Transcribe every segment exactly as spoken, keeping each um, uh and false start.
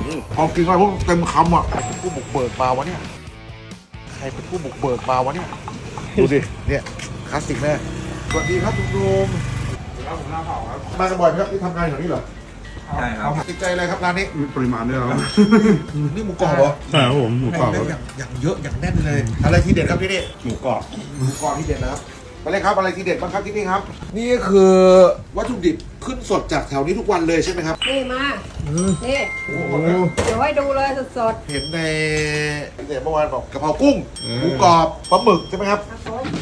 พอกินไปพวกเต็มคำอ่ะผู้บุกเบิกมาวะเนี่ยใครเป็นผู้บุกเบิกมาวะเนี่ยดูดิเนี่ยคลาสสิกแน่สวัสดีครับคุณลุงครับผมหน้าเผาครับมากันบ่อยไหมครับที่ทำงานแถวนี้เหรอใช่ครับติดใจอะไรครับร้านนี้มีปริมาณด้วยครับนี่หมูกรอบเหรอใช่ครับผมหมูกรอบอย่างอย่างเยอะอย่างแน่นเลยอะไรที่เด็ดครับที่นี่หมูกรอบหมูกรอบที่เด็ดนะครับไปเลยครับอะไรที่เด็ดบ้างครับที่นี่ครับนี่คือวัตถุดิบขึ้นสดจากแถวนี้ทุกวันเลยใช่ไหมครับนี่มานี่เดี๋ยวให้ดูเลยสดเห็นในเดี๋ยวเมื่อวานบอกกะเพรากุ้งหมูกรอบปลาหมึกใช่ไหมครับๆครับ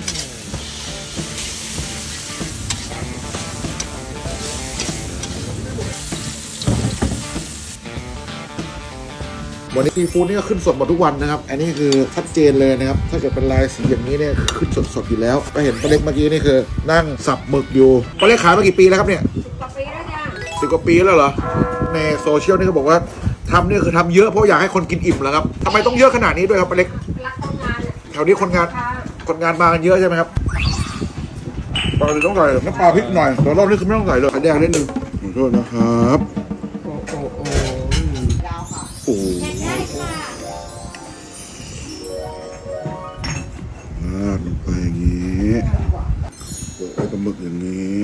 วันนี้ซีฟู้ดนี่ก็ขึ้นสดหมดทุกวันนะครับอันนี้คือชัดเจนเลยนะครับถ้าเกิดเป็นลายสีอย่างนี้เนี่ยขึ้นสดๆอยู่แล้วก็เห็นป้าเล็กเมื่อกี้นี่คือนั่งสับหมึกอยู่ป้าเล็กขายมากี่ปีแล้วครับเนี่ยสิบกว่าปีแล้วจ้ะสิบกว่าปีแล้วเหรอในโซเชียลนี่เขาบอกว่าทำเนี่ยคือทำเยอะเพราะอยากให้คนกินอิ่มแล้วครับทำไมต้องเยอะขนาดนี้ด้วยครับป้าเล็กรักคนงานแถวนี้คนงานคนงานมากันเยอะใช่ไหมครับปกติต้องใส่น้ำปลาพริกหน่อยแต่รอบนี้คือไม่ต้องใส่เลยไข่แดงนิดนึงขอโทษนะครับโอ้โหโอ้โอ้ราดลงไปอย่างนี้โปะไอ้ปลาหมึกอย่างนี้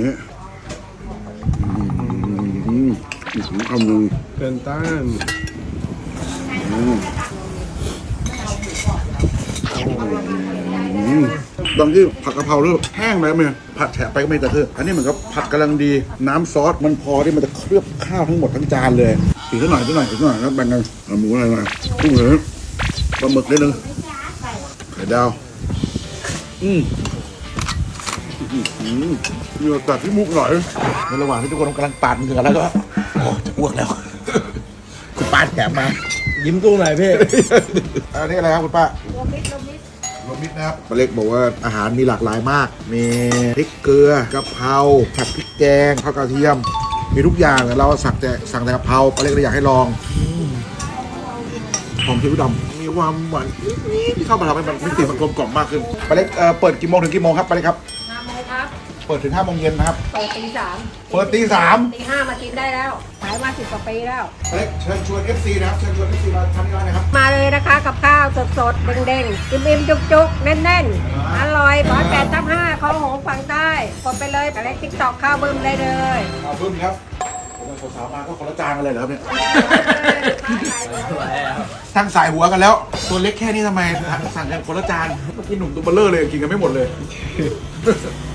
อืมอีกสองคำหนึ่งเป็นต้านบางที่ผัดกะเพราเริ่มแห้งไปไหมผัดแฉะไปก็ไม่แต่คืออันนี้เหมือนกับผัดกำลังดีน้ำซอสมันพอที่มันจะเคลือบข้าวทั้งหมดทั้งจานเลยอีกสักหน่อยสักหน่อยอีกสักหน่อยแล้วแบ่งกันเอาหมูอะไรหน่อยกุ้งเลยปลาหมึกนิดนึงไข่ดาวอืมเหงื่อตัดที่มุกหน่อยในระหว่างที่ทุกคนกำลังปาดเหงื่อแล้วก็โอ้จะอ้วกแล้วคุณป้าแถมมายิ้มตู้ไหนพี่อันนี้อะไรครับคุณป้าลมมิดลมมิดลมมิดนะครับป้าเล็กบอกว่าอาหารมีหลากหลายมากมีพริกเกลือกะเพราผัดพริกแกงข้าวกระเทียมมีทุกอย่างเราสั่งแต่สั่งแต่กะเพราป้าเล็กเลยอยากให้ลองหอมซีอิ๊วดำมีความหวานนิดๆที่เข้ามาทำให้มันมิติมันกลมกล่อมมากขึ้นป้าเล็กเอ่อเปิดกี่โมงถึงกี่โมงครับป้าเล็กครับห้าโมงครับเปิดถึงห้าโมงเย็นนะครับเปิดตีสามเปิดตีสามตีห้ามากินได้แล้วขายมาสิบกว่าปีแล้วป้าเล็กเชิญชวน เอฟ ซี นะครับเชิญชวน เอฟ ซี มาทานที่ร้านนะครับมาเลยนะคะกับข้าวสดๆเด้งๆอิ่มๆจุกๆแน่นๆอร่อยร้อยแปดทับห้าเขาหงฝั่งใต้กดไปเลยแต่เล็กติ๊กตอกข้าวบึ้มได้เลยข้าวบึ้มครับสาวๆมาก็คนละจานกันเลยเหรอครับเนี่ยทั้งสายหัวกันแล้วตัวเล็กแค่นี้ทำไมสั่งกันคนละจานเมื่อกี้หนุ่มตัวเบลเลอร์เลยกินกันไม่หมดเลย